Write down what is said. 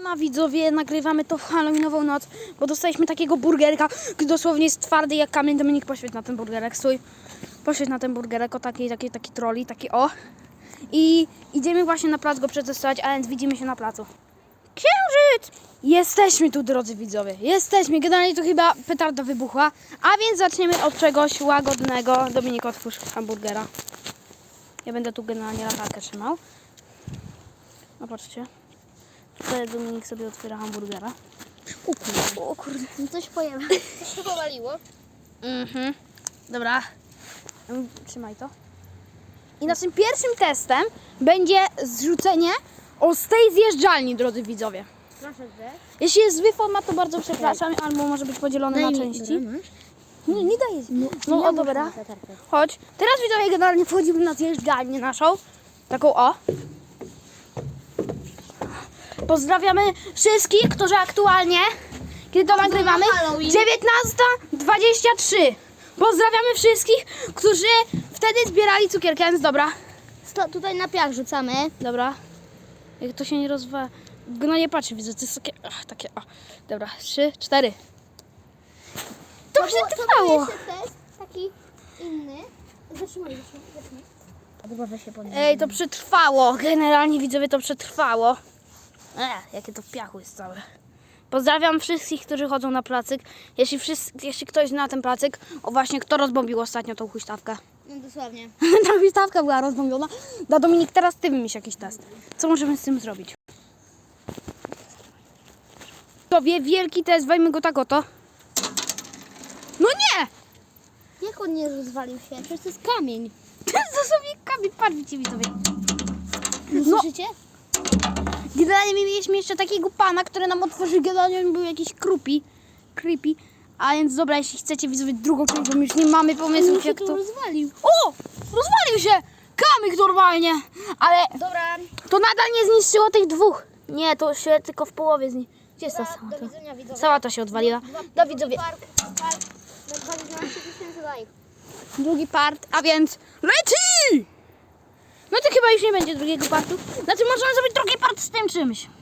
Siema widzowie, nagrywamy to w Halloweenową noc, bo dostaliśmy takiego burgerka, który dosłownie jest twardy jak kamień. Dominik, poświeć na ten burgerek, stój. Poświeć na ten burgerek, o taki troli, taki o. I idziemy właśnie na plac go przetestować, a więc widzimy się na placu. Księżyc! Jesteśmy tu, drodzy widzowie, jesteśmy. Generalnie tu chyba petarda wybuchła, a więc zaczniemy od czegoś łagodnego. Dominik, otwórz hamburgera. Ja będę tu generalnie latarkę trzymał. No patrzcie. Tutaj Dominik sobie otwiera hamburgera. O kurde. Coś pojęło. Coś się powaliło. Dobra. Trzymaj to. I naszym pierwszym testem będzie zrzucenie z tej zjeżdżalni, drodzy widzowie. Proszę zjeść. Jeśli jest zły format, to bardzo przepraszam, albo może być podzielony na części. Nie daję. No o, dobra. Chodź. Teraz widzowie generalnie wchodzimy na zjeżdżalnię naszą. Taką o. Pozdrawiamy wszystkich, którzy aktualnie, kiedy to nagrywamy, Halloween. 19:23. Pozdrawiamy wszystkich, którzy wtedy zbierali cukierki, więc dobra. Tutaj na piach rzucamy. Dobra. Jak to się nie rozwa... No nie patrzę, widzę, to jest takie o. Dobra, 3, 4. To przetrwało. To jeszcze test taki inny. Zatrzymaj. Albo weź się podnieść. Ej, to przetrwało. Generalnie widzowie, to przetrwało. Jakie to w piachu jest całe. Pozdrawiam wszystkich, którzy chodzą na placyk. Jeśli ktoś zna ten placyk, o właśnie, kto rozbombił ostatnio tą huśtawkę? No dosłownie. Ta huśtawka była rozbombiona. Dominik, teraz ty wymyśl jakiś test. Co możemy z tym zrobić? Tobie wielki test, weźmy go tak oto. No nie! Jak on nie rozwalił się? Przecież to jest kamień. To sobie kamień, patrzcie widzowie. No. Słyszycie? Generalnie my mieliśmy jeszcze takiego pana, który nam otworzył, generalnie on był jakiś creepy. A więc dobra, jeśli chcecie widzowie drugą część, bo my już nie mamy pomysłów jak to... rozwalił. O! Rozwalił się! Kamyk normalnie! Ale Dobra. to nadal nie zniszczyło tych dwóch. Nie, to się tylko w połowie Gdzie jest ta Do sałata? widzenia widzowie. Sałata się odwaliła. Do widzowie. Park. Na 12 000 lajków. Drugi part, a więc leci! No to chyba już nie będzie drugiego partu. Znaczy możemy zrobić drugi part z tym czymś.